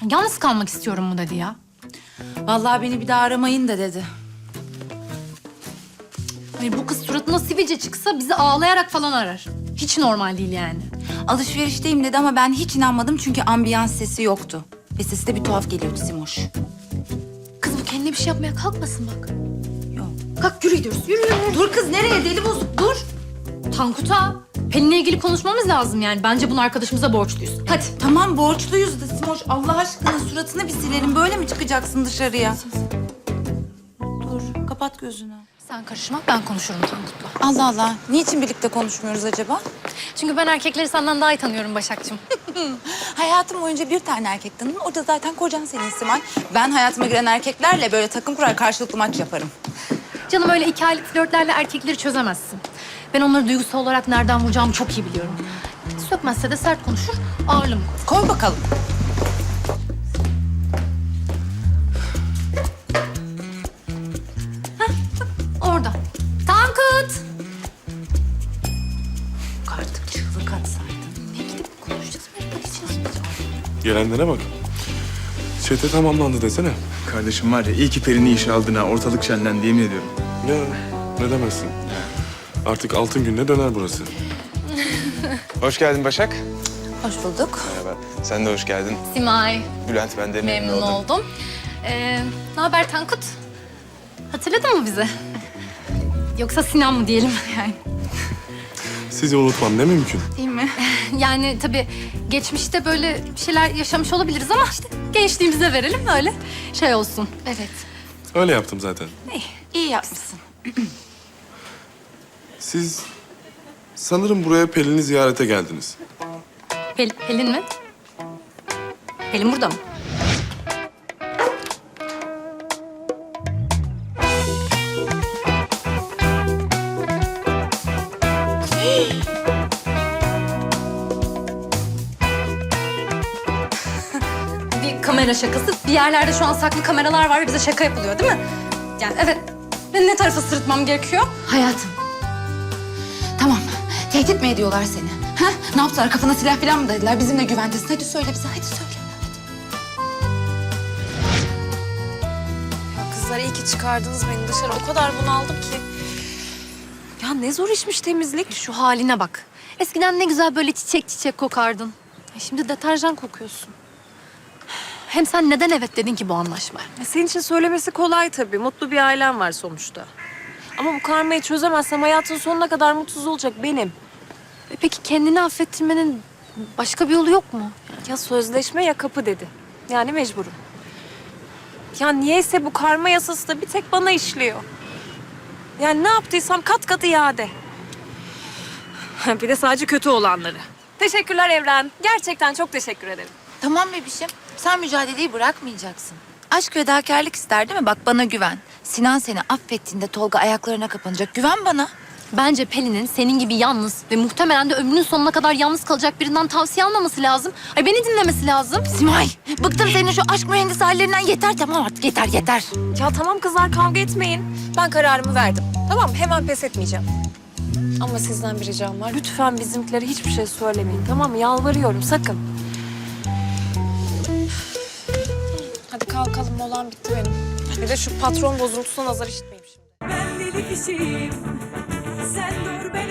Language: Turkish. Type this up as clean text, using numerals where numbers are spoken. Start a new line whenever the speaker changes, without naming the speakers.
Yalnız kalmak istiyorum mu dedi ya.
Vallahi beni bir daha aramayın da dedi.
Hayır, bu kız suratına sivilce çıksa bizi ağlayarak falan arar. Hiç normal değil yani.
Alışverişteyim dedi ama ben hiç inanmadım çünkü ambiyans sesi yoktu. Ve sesi de bir tuhaf geliyordu Simoş.
Kız bu kendine bir şey yapmaya kalkmasın bak.
Yok.
Kalk yürü gidiyoruz. Yürü yürü.
Dur kız nereye deli bozuk dur.
Tankut'a Pelin'le ilgili konuşmamız lazım yani. Bence bunu arkadaşımıza borçluyuz. Hadi.
Tamam borçluyuz da Simoş Allah aşkına suratını bir silelim. Böyle mi çıkacaksın dışarıya? Dur kapat gözünü.
Sen karışma, ben konuşurum Tankut'la.
Allah Allah. Niçin birlikte konuşmuyoruz acaba?
Çünkü ben erkekleri senden daha iyi tanıyorum Başak'cığım.
Hayatım boyunca bir tane erkek tanıdım. O da zaten kocan senin Simay. Ben hayatıma giren erkeklerle böyle takım kurar karşılıklı maç yaparım.
Canım öyle 2 aylık flörtlerle erkekleri çözemezsin. Ben onları duygusal olarak nereden vuracağımı çok iyi biliyorum. Sökmezse de sert konuşur, ağırlığımı koy.
Koy bakalım.
Orada. Tankut!
Artık çığlık atsaydın.
Ne gidip konuşacağız, merak edeceğiz.
Gelenlere bak. Çete tamamlandı desene.
Kardeşim var ya iyi ki Peri'ni işe aldın ha. Ortalık şenlendi yemin ediyorum.
Ya ne demezsin. Artık altın gününe döner burası.
Hoş geldin Başak.
Hoş bulduk.
Merhaba. Sen de hoş geldin.
Simay,
Bülent ben de
memnun oldum. Ne haber Tankut? Hatırladın mı bizi? Yoksa Sinan mı diyelim yani?
Sizi unutmam ne mümkün.
Değil mi?
Yani tabii geçmişte böyle bir şeyler yaşamış olabiliriz ama işte gençliğimize verelim öyle şey olsun.
Evet.
Öyle yaptım zaten.
İyi yapmışsın.
Siz sanırım buraya Pelin'i ziyarete geldiniz.
Pelin mi? Pelin burada mı? Bir kamera şakası. Bir yerlerde şu an saklı kameralar var ve bize şaka yapılıyor değil mi? Yani evet. Ben ne tarafa sırıtmam gerekiyor?
Hayatım. Tamam. Tehdit mi ediyorlar seni? Ha? Ne yaptılar? Kafana silah falan mı dediler? Bizimle güventesin. Hadi söyle bize. Hadi söyle.
Ya kızlar iyi ki çıkardınız beni dışarı. O kadar bunaldım ki. Ya ne zor işmiş temizlik.
Şu haline bak. Eskiden ne güzel böyle çiçek çiçek kokardın. Şimdi deterjan kokuyorsun. Hem sen neden evet dedin ki bu anlaşmaya?
Senin için söylemesi kolay tabii. Mutlu bir ailem var sonuçta. Ama bu karmayı çözemezsem hayatın sonuna kadar mutsuz olacak benim.
Peki kendini affettirmenin başka bir yolu yok mu?
Ya sözleşme ya kapı dedi. Yani mecburum. Ya niyeyse bu karma yasası da bir tek bana işliyor. Yani ne yaptıysam kat kat iade. Bir de sadece kötü olanları. Teşekkürler Evren. Gerçekten çok teşekkür ederim.
Tamam bebişim. Sen mücadeleyi bırakmayacaksın. Aşk fedakarlık ister değil mi? Bak bana güven. Sinan seni affettiğinde Tolga ayaklarına kapanacak. Güven bana.
Bence Pelin'in senin gibi yalnız ve muhtemelen de ömrünün sonuna kadar yalnız kalacak birinden tavsiye almaması lazım. Ay beni dinlemesi lazım.
Simay, bıktım senin şu aşk mühendisi hallerinden. Yeter tamam artık. Yeter yeter.
Ya tamam kızlar kavga etmeyin. Ben kararımı verdim. Tamam hemen pes etmeyeceğim. Ama sizden bir ricam var. Lütfen bizimkilere hiçbir şey söylemeyin. Tamam mı? Yalvarıyorum sakın. Hadi kalkalım molam bitti benim. Bir de şu patron bozuntusuna nazar işitmeyeyim şimdi.
Ben deli kişiyim. Sen dur ben